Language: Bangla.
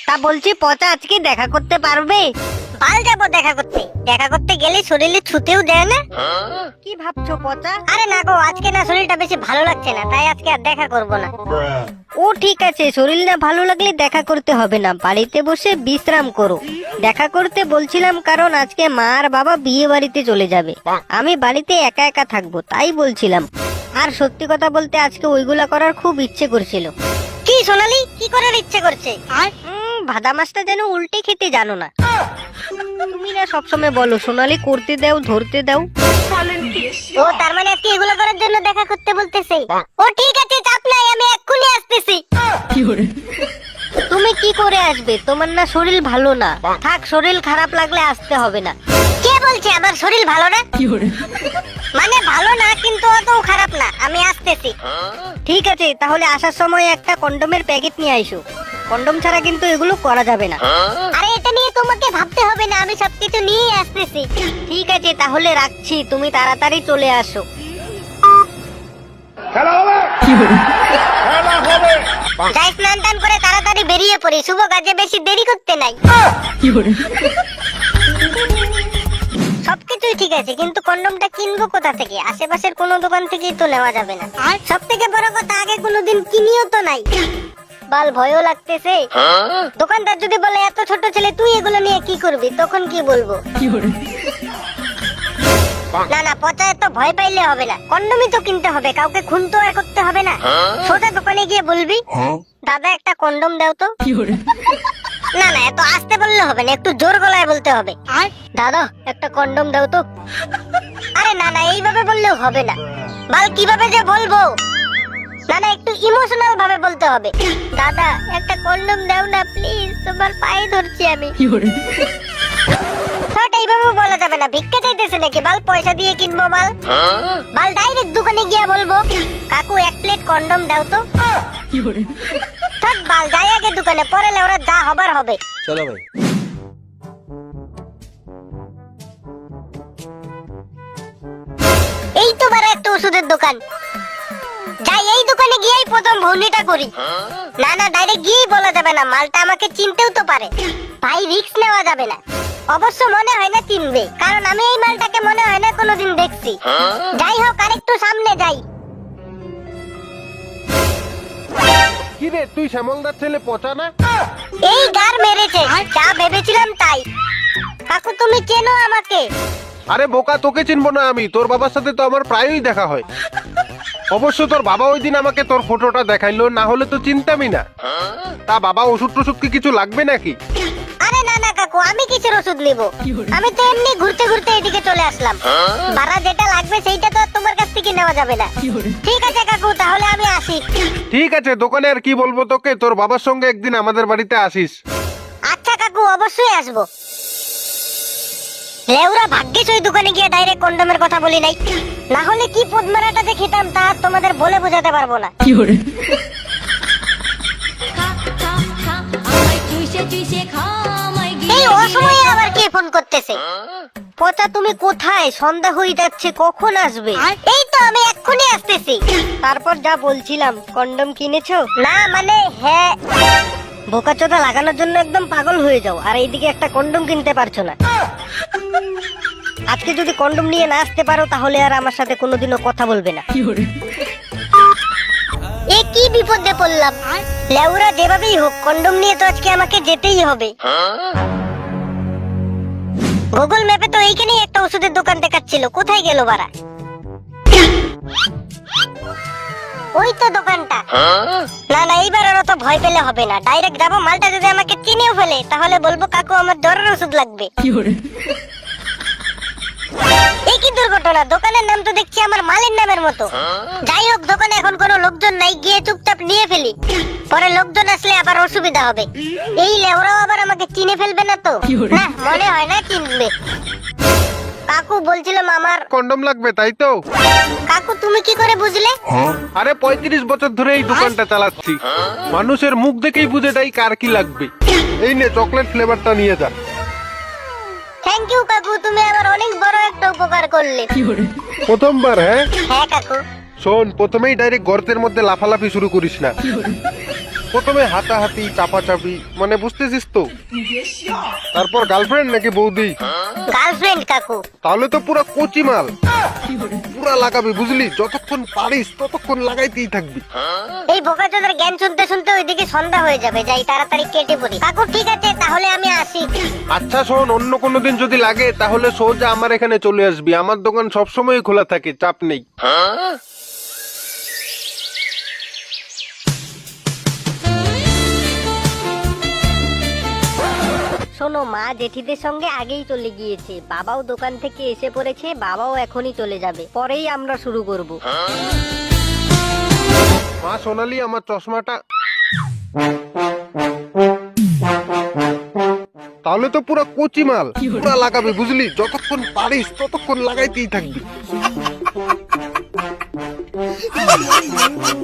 তা বলছি পচা আজকে দেখা করতে পারবে? বাল যাবো দেখা করতে গেলে শরীরে ছুতেও দেয় না। কি ভাবছো পচা? আরে না গো, আজকে না শরীরটা বেশি ভালো লাগছে না, তাই আজকে আর দেখা করব না। ও ঠিক আছে, শরীর না ভালো লাগলে দেখা করতে হবে না, বাড়িতে বসে বিশ্রাম করো। দেখা করতে বলছিলাম কারণ আজকে মা আর বাবা বিয়ে বাড়িতে চলে যাবে, আমি বাড়িতে একা একা থাকবো তাই বলছিলাম। আর সত্যি কথা বলতে আজকে ওইগুলা করার খুব ইচ্ছে করছিল। কি সোনালি, কি করার ইচ্ছে করছে? ভাদা মাছটা যেন উল্টে খেতে জানো না। তুমি না সবসময় বলো সোনালি করতে দাও, ধরতে দাও। ও তার মানে আজকে এগুলো করার জন্য দেখা করতে বলতেছে। ও ঠিক আছে, চাপ নাই, আমি এক্ষুনি আসতেছি। তুমি কি করে আসবে? তোমার না শরীর ভালো না। থাক, শরীর খারাপ লাগলে আসতে হবে না। কে বলছে আমার শরীর ভালো না? মানে ভালো না, কিন্তু অত খারাপ না, আমি আসতেছি। ঠিক আছে, তাহলে আসার সময় একটা কন্ডোমের প্যাকেট নিয়ে আইসো। কন্ডোম ছাড়া কিন্তু এগুলো করা যাবে না। আরে এটা নিয়ে তোমাকে ভাবতে হবে না, আমি সবকিছু নিয়ে আসতেছি। ঠিক আছে, তাহলে রাখছি, তুমি তাড়াতাড়ি চলে আসো। যাই স্নান টান করে তাড়াতাড়ি বেরিয়ে পড়ি, শুভ কাজে বেশি দেরি করতে নাই। সবকিছুই ঠিক আছে, কিন্তু কন্ডমটা কিনবো কোথা থেকে? আশেপাশের কোনো দোকান থেকেই তো নেওয়া যাবে না। আর সব থেকে বড় কথা, আগে কোনোদিন কিনিও তো নাই। বাল ভয়ও লাগতেছে। দোকানদার যদি বলে এত ছোট ছেলে তুই এগুলো নিয়ে কি করবি, তখন কি বলবো? না না পচা, এত ভয় পাইলে হবে না, কন্ডমই তো কিনতে হবে, কাউকে খুন তো আর করতে হবে না। সোজা দোকানে গিয়ে বলবি দাদা একটা কন্ডম দাও তো। না না, এত আস্তে বললে হবে না, একটু জোর গলায় বলতে হবে। দাদা একটা কন্ডম দাও তো। আরে না না, এইভাবে বললেও হবে না। বাল কিভাবে যে বলবো? না না, একটু ইমোশনাল ভাবে বলতে হবে। দাদা একটা কন্ডম দাও না প্লিজ, তোমার পায়ে ধরছি আমি। এইভাবে বলা যাবে না, ভিক্ষা চাইতেছে নাকি? বাল পয়সা দিয়ে কিনবো বাল। বাল ডাইরেক্ট দোকানে গিয়ে বলবো কাকু এক প্লেট কন্ডম দাও তো। থাক বাল, যাই আগে দোকানে, পরে ওরা যা হবার হবে। চলো ভাই। এই তো বারা একটা ওষুধের দোকান, যাই এই দোকানে গিয়েই প্রথম ভৌনিটা করি। না না, ডাইরেক্ট গিয়েই বলা যাবে না, মালটা আমাকে চিনতেও তো পারে। ভাই রিস্ক নেওয়া যাবে না। অবশ্য মনে হয় না চিনবে, কারণ আমি এই মালটাকে মনে হয় না কোনোদিন দেখছি। যাই হোক, আরেকটু সামনে যাই। কি রে, তুই শ্যামলদার ছেলে পচা না? এই গার মেরেছে, যা ভেবেছিলাম তাই। কাকু তুমি চেনো আমাকে? আরে বোকা, তোকে চিনবো না আমি? তোর বাবার সাথে তো আমার প্রায়ই দেখা হয়। অবশ্য তোর বাবা ওই দিন আমাকে তোর ফটোটা দেখাইলো, না হলে তো চিনতামই না। তা বাবা ওষুধ টষুধ কি কিছু লাগবে নাকি? আরে না না কাকু, আমি কিসের ওষুধ নিব? আমি তো এমনি ঘুরতে ঘুরতে এদিকে চলে আসলাম। ভাড়া যেটা লাগবে সেইটা তো তোমার কাছ থেকে নেওয়া যাবে না। ঠিক আছে কাকু, তাহলে আমি আসি। ঠিক আছে, দোকানে আর কি বলবো তোকে, তোর বাবার সঙ্গে একদিন আমাদের বাড়িতে আসিস। আচ্ছা কাকু, অবশ্যই আসবো। লেউরা ভাগ্যিস ওই দোকানে গিয়ে ডাইরেক্ট কন্ডমের কথা বলি নাই, না হলে কি পদ্মারাটা যে খেতাম তা তোমাদের বলে বোঝাতে পারবো না। এই অসময়ে আবার কে ফোন করতেছে? পচা তুমি কোথায়? সন্ধ্যা হয়ে যাচ্ছে, কখন আসবে? এই তো আমি এক্ষুনি আসতেছি। তারপর যা বলছিলাম, কন্ডম কিনেছো? না মানে হ্যাঁ। বোকাচোদা লাগানোর জন্য একদম পাগল হয়ে যাও, আর এইদিকে একটা কন্ডম কিনতে পারছো না। আজকে যদি কন্ডম নিয়ে না আসতে পারো তাহলে আর আমার সাথে কোনোদিনও কথা বলবে না। এ কি বিপদে পড়লাম? লেউরা যেভাবেই হোক কন্ডম নিয়ে তো আজকে আমাকে যেতেই হবে। গুগল ম্যাপে তো এইখানেই একটা ওষুধের দোকান দেখাচ্ছিল, কোথায় গেল বাড়া? ওই তো দোকানটা। না না, এইবার আর অত ভয় পেলে হবে না, ডাইরেক্ট যাবো। মালটা যদি আমাকে চিনেও ফেলে তাহলে বলবো কাকু আমার জ্বরের ওষুধ লাগবে। এই কি দুর্ঘটনা, দোকানের নাম তো দেখছি আমার মালের নামের মতো। যাই হোক, দোকানে এখন কোনো লোকজন নাই, গিয়ে চুপচাপ নিয়ে ফেলি, পরে লোকজন আসলে আবার অসুবিধা হবে। এই লেওরাও আবার আমাকে চিনে ফেলবে না তো? না মনে হয় না চিনবে। কাকু বলছিলাম আমার কন্ডম লাগবে, তাই তো? কাকু তুমি কি করে বুঝলে? আরে 35 বছর ধরে এই দোকানটা চালাচ্ছি, মানুষের মুখ দেখেই বুঝে যাই কার কি লাগবে। এই নে চকলেট ফ্লেভারটা নিয়ে যা। থ্যাংক ইউ কাকু, তুমি আমার অনেক বড় একটা উপকার করলে। প্রথমবার? হ্যাঁ হ্যাঁ কাকু। শোন, প্রথমেই ডাইরেক্ট গর্তের মধ্যে লাফালাফি শুরু করিস না। প্রথমে হাতাহাতি চাপাচাপি, মানে বুঝতেছিস তো? তারপর গার্লফ্রেন্ড নাকি বৌদি? গার্লফ্রেন্ড কাকু। তাহলে তো পুরো কচি মাল, পুরা লাগাবি বুঝলি, যতক্ষণ পারিস ততক্ষণ লাগাইতেই থাকবি। এই বোকাচোদার জ্ঞান শুনতে শুনতে ওইদিকে সন্ধ্যা হয়ে যাবে, যাই তাড়াতাড়ি কেটে পড়ি। কাকু ঠিক আছে, তাহলে আমি আসি। আচ্ছা শোন, অন্য কোনো দিন যদি লাগে তাহলে সোজা আমার এখানে চলে আসবি, আমার দোকান সবসময় খোলা থাকে, চাপ নেই। শোনো, মা জেঠিদের সঙ্গে আগেই চলে গিয়েছে, বাবাও দোকান থেকে এসে পড়েছে, বাবাও এখনই চলে যাবে, পরেই আমরা শুরু করব। মা সোনালি, আমার চশমাটা। তাহলে তো পুরো কচি মাল, পুরা লাগাবি বুঝলি, যতক্ষণ পারিস ততক্ষণ লাগাইতেই থাকবি।